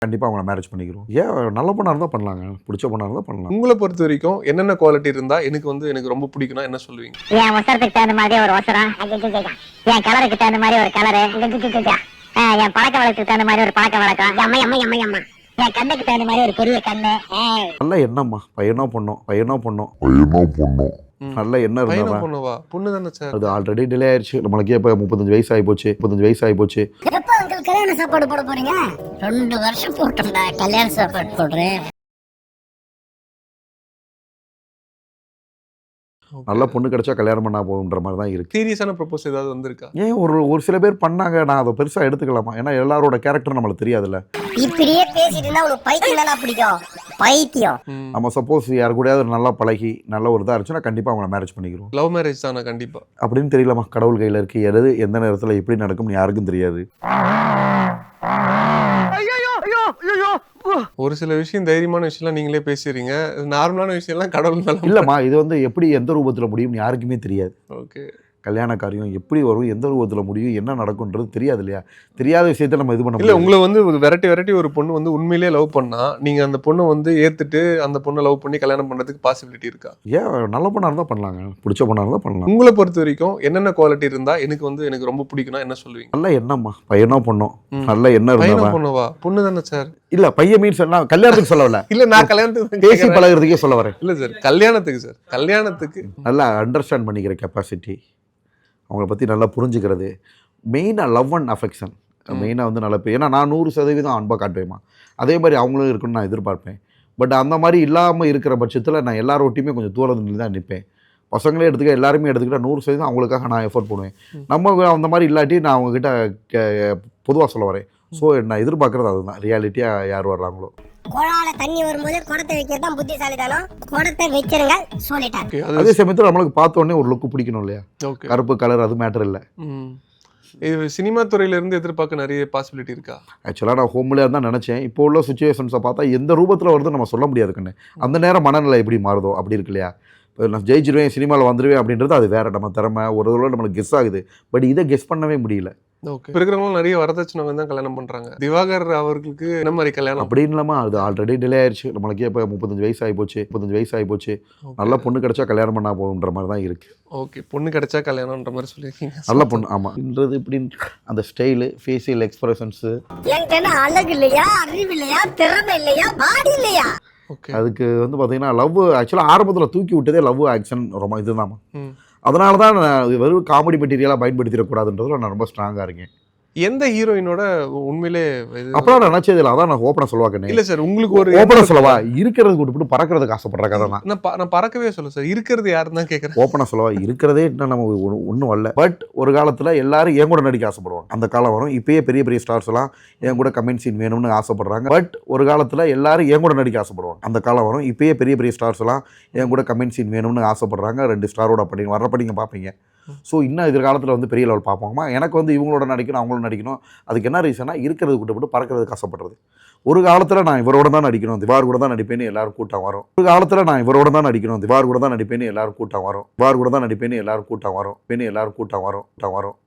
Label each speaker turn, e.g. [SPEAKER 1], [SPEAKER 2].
[SPEAKER 1] கண்டிப்பாக அவங்கள மேரேஜ் பண்ணிக்கிறோம். ஏன் நல்ல பொண்ணாக இருந்தால் பண்ணலாங்க, பிடிச்ச பொண்ணாக இருந்தால் பண்ணலாம்.
[SPEAKER 2] உங்களை பொறுத்த வரைக்கும் என்னென்ன குவாலிட்டி இருந்தா எனக்கு ரொம்ப பிடிக்கும்னா என்ன சொல்லுவீங்க?
[SPEAKER 3] என் ஒசரத்துக்கு தகுந்த மாதிரி ஒரு ஒசரம், என் கலருக்கு தகுந்த மாதிரி ஒரு கலரு, என் பழக்க வழக்கத்துக்கு தகுந்த மாதிரி ஒரு பழக்க வழக்கம், என் கண்ணுக்கு தகுந்த மாதிரி ஒரு பெரிய கண்ணு.
[SPEAKER 1] நல்ல எண்ணம்மா, பையனோ பொண்ணோ நல்ல எண்ணம் இருந்தா
[SPEAKER 2] பொண்ணுவா? பொண்ணு தானே சார்.
[SPEAKER 1] அது ஆல்ரெடி டிலே ஆயிடுச்சு. நம்மளுக்கே இப்போ 35 வயசு ஆகி போச்சு.
[SPEAKER 3] எப்ப உங்களுக்கு கல்யாண சாப்பாடு போட போறீங்க? 2 வருஷம் போட்டோம்டா கல்யாண சாப்பாடு போடுறேன்.
[SPEAKER 1] நல்ல பொண்ணு கிடைச்சா கல்யாணம் பண்ணா போகுன்ற மாதிரி தான் இருக்கு.
[SPEAKER 2] சீரியஸான ப்ரொபோஸ் ஏதாவது வந்திருக்கா?
[SPEAKER 1] ஏன் ஒரு சில பேர் பண்ணாங்க, நான் அதை பெருசா எடுத்துக்கலாமா? ஏன்னா எல்லாரோட கேரக்டர் நம்மளுக்கு தெரியாதுல்ல.
[SPEAKER 3] இப்படியே பேசிட்டு இருந்தா உங்களுக்கு பைத்தியம் தானா பிடிக்கும்? பைத்தியம்.
[SPEAKER 1] நம்ம சப்போஸ் யாரு கூடயாவது நல்லா பழகி நல்ல ஒரு இதா இருந்துச்சுன்னா கண்டிப்பா அவங்கள மேரேஜ் பண்ணிக்கிறோம்.
[SPEAKER 2] லவ் மேரேஜ் தானே? கண்டிப்பா. அப்படின்னு
[SPEAKER 1] தெரியலமா, கடவுள் கையில இருக்கு. எந்த நேரத்துல எப்படி நடக்கும்னு யாருக்கும் தெரியாது.
[SPEAKER 2] ஒரு சில விஷயம் தைரியமான விஷயம்லாம் நீங்களே பேசுறீங்க. நார்மலான விஷயம்லாம் கடவுள் மேல
[SPEAKER 1] இல்லம்மா, இது வந்து எப்படி எந்த ரூபத்துல முடியும் யாருக்குமே தெரியாது.
[SPEAKER 2] ஓகே.
[SPEAKER 1] கல்யாண காரியம் எப்படி வரும், எந்த ரூபத்தில் முடியும், என்ன நடக்கும்ன்றது தெரியாது இல்லையா? தெரியாத விஷயத்தை நம்ம இது பண்ண
[SPEAKER 2] இல்லை. உங்களை வந்து வெரைட்டி ஒரு பொண்ணு வந்து உண்மையிலேயே லவ் பண்ணா நீங்கள் அந்த பொண்ணை வந்து ஏற்றுட்டு அந்த பொண்ணை லவ் பண்ணி கல்யாணம் பண்ணுறதுக்கு பாசிபிலிட்டி இருக்கா?
[SPEAKER 1] ஏன் நல்ல பொண்ணாக இருந்தால் பண்ணலாங்க, பிடிச்ச பொண்ணாக இருந்தால் பண்ணலாம்.
[SPEAKER 2] உங்களை பொறுத்த வரைக்கும் என்னென்ன குவாலிட்டி இருந்தால் எனக்கு ரொம்ப பிடிக்கும்னா என்ன சொல்லுவீங்க?
[SPEAKER 1] நல்ல எண்ணம்மா, பையனோ பொண்ணோ நல்ல எண்ணம் இருந்தா.
[SPEAKER 2] பொண்ணுவா? பொண்ணு தானே சார்.
[SPEAKER 1] இல்ல பையன் மீன்ஸ் என்ன, கல்யாணத்துக்கு சொல்ல வரல.
[SPEAKER 2] இல்ல நான் கல்யாணத்துக்கு
[SPEAKER 1] பேசி பழகிறதுக்கே சொல்ல வரேன்.
[SPEAKER 2] இல்ல சார், கல்யாணத்துக்கு
[SPEAKER 1] நல்லா அண்டர்ஸ்டாண்ட் பண்ணிக்கிற கெப்பாசிட்டி, அவங்கள பற்றி நல்லா புரிஞ்சுக்கிறது, மெயினாக லவ் அண்ட் அஃபெக்ஷன் மெயினாக வந்து நல்ல ஏன்னா நான் 100% அன்பாக காட்டுவேம்மா, அதே மாதிரி அவங்களும் இருக்குன்னு நான் எதிர்பார்ப்பேன். பட் அந்த மாதிரி இல்லாமல் இருக்கிற பட்சத்தில் நான் எல்லாரோட்டையுமே கொஞ்சம் தூரத்தில் தான் நிற்பேன். பசங்களே எடுத்துக்க, எல்லாருமே எடுத்துக்கிட்டால் 100% அவங்களுக்காக நான் எஃபோர்ட் பண்ணுவேன். நம்ம அந்த மாதிரி இல்லாட்டி நான் அவங்கக்கிட்ட பொதுவாக சொல்ல வரேன். ஸோ நான் எதிர்பார்க்குறது அதுதான், ரியாலிட்டியாக யார் வர்றாங்களோ.
[SPEAKER 3] குழால தண்ணி வரும்போது குடத்தை வைக்கிறது தான் புத்திசாலிதானம். குடத்தை வச்சிருங்க சொல்லிட்டாங்க.
[SPEAKER 1] அதே சமயத்தில் நம்மளுக்கு பார்த்த உடனே ஒரு லுக்கு பிடிக்கணும் இல்லையா? கருப்பு கலர் அது மேட்டர் இல்லை.
[SPEAKER 2] இது சினிமா துறையில இருந்து எதிர்பார்க்க நிறைய பாசிபிலிட்டி இருக்கா?
[SPEAKER 1] ஆக்சுவலாக நான் ஹோம்லேயே தான் நினச்சேன். இப்போ உள்ள சுச்சுவேஷன்ஸை பார்த்தா எந்த ரூபத்தில் வருது நம்ம சொல்ல முடியாது கண்ணு. அந்த நேரம் மனநிலை எப்படி மாறுதோ அப்படி இருக்கு இல்லையா? இப்போ நான் ஜெயிச்சிருவேன், சினிமாவில் வந்துடுவேன் அப்படின்றது அது வேறு, நம்ம திறமை ஒரு தடவை நம்மளுக்கு கெஸ் ஆகுது. பட் இதை கெஸ் பண்ணவே முடியல.
[SPEAKER 2] ஓகே. இப்போ இருக்கிறவங்களும் நிறைய வரதட்சணை தான் கல்யாணம் பண்ணுறாங்க. திவாகர் அவர்களுக்கு என்ன மாதிரி கல்யாணம்
[SPEAKER 1] அப்படின்னு இல்லாமல் அது ஆல்ரெடி டிலே ஆயிடுச்சு. நம்மளுக்கே இப்போ 35 வயசு ஆகி போச்சு. நல்ல பொண்ணு கிடைச்சா கல்யாணம் பண்ணா போகுன்ற மாதிரி தான் இருக்குது.
[SPEAKER 2] ஓகே. பொண்ணு கிடைச்சா கல்யாணம்ன்ற மாதிரி சொல்லியிருக்கீங்க.
[SPEAKER 1] நல்ல பொண்ணு, ஆமாம்ன்றது இப்படின்னு அந்த ஸ்டைலு, ஃபேஷியல் எக்ஸ்பிரஷன்ஸு,
[SPEAKER 3] அழகு இல்லையா, அறிவு இல்லையா, திறமை இல்லையா, பாடி இல்லையா?
[SPEAKER 1] அதுக்கு வந்து பார்த்தீங்கன்னா லவ் ஆக்சுவலாக ஆரம்பத்தில் தூக்கி விட்டதே லவ் ஆக்ஷன் ரொம்ப இதுதான். அதனால தான் நான் வெறும் காமெடி மெட்டீரியலாக பயன்படுத்திடக்கூடாதுன்றதுல நான் ரொம்ப ஸ்ட்ராங்காக இருக்கேன்.
[SPEAKER 2] எந்த ஹீரோயினோட உண்மையிலே
[SPEAKER 1] அப்புறம் நான் நினைச்சது இல்லை, அதான் நான் ஓப்பனாக சொல்லுவாங்க.
[SPEAKER 2] இல்லை சார், உங்களுக்கு ஒரு
[SPEAKER 1] ஓப்பனாக சொல்லவா, இருக்கிறது விட்டுவிட்டு பறக்கிறதுக்கு ஆசைப்படுற கதை தான்.
[SPEAKER 2] நான் பறக்கவே சொல்ல சார், இருக்கிறது யாருன்னு தான் கேட்குறேன்.
[SPEAKER 1] ஓப்பனாக சொல்லவா, இருக்கிறதே இன்னும் நம்ம ஒன்றும் வரல. பட் ஒரு காலத்தில் எல்லாரும் என் கூட நடிக்க ஆசைப்படுவாங்க. அந்த காலம் வரும். இப்பயே பெரிய பெரிய ஸ்டார்ஸ் எல்லாம் என் கூட கமெண்ட் சீன் வேணும்னு ஆசைப்படுறாங்க. பட் ஒரு காலத்தில் எல்லாரும் என் கூட நடிக்க ஆசைப்படுவாங்க. அந்த காலம் வரும். இப்பயே பெரிய பெரிய ஸ்டார்ஸ் எல்லாம் என் கூட கமெண்ட் சீன் வேணும்னு ஆசைப்படுறாங்க. 2 ஸ்டாரோட அப்படி வர்றப்ப நீங்கள் பார்ப்பீங்க. ஸோ இன்னும் எதிர்காலத்தில் வந்து பெரிய லெவல் பார்ப்போமா. எனக்கு வந்து இவங்களோட நடிக்கணும், அவங்களோட நடிக்கணும். அதுக்கு என்ன ரீசனா, இருக்கிறது விட்டு பறக்கிறதுக்கு ஆசைப்படுறது. ஒரு காலத்தில் நான் இவரோட தான் நடிக்கணும், திவார் கூட தான் நடிப்பேன்னு எல்லாரும் கூட்டம் வரும். ஒரு காலத்தில் நான் இவரோட தான் நடிக்கணும், திவார் கூட தான் நடிப்பேன்னு எல்லாரும் கூட்டம் வரும். திவார் கூட தான் நடிப்பேன்னு எல்லாரும் கூட்டம் வரும்.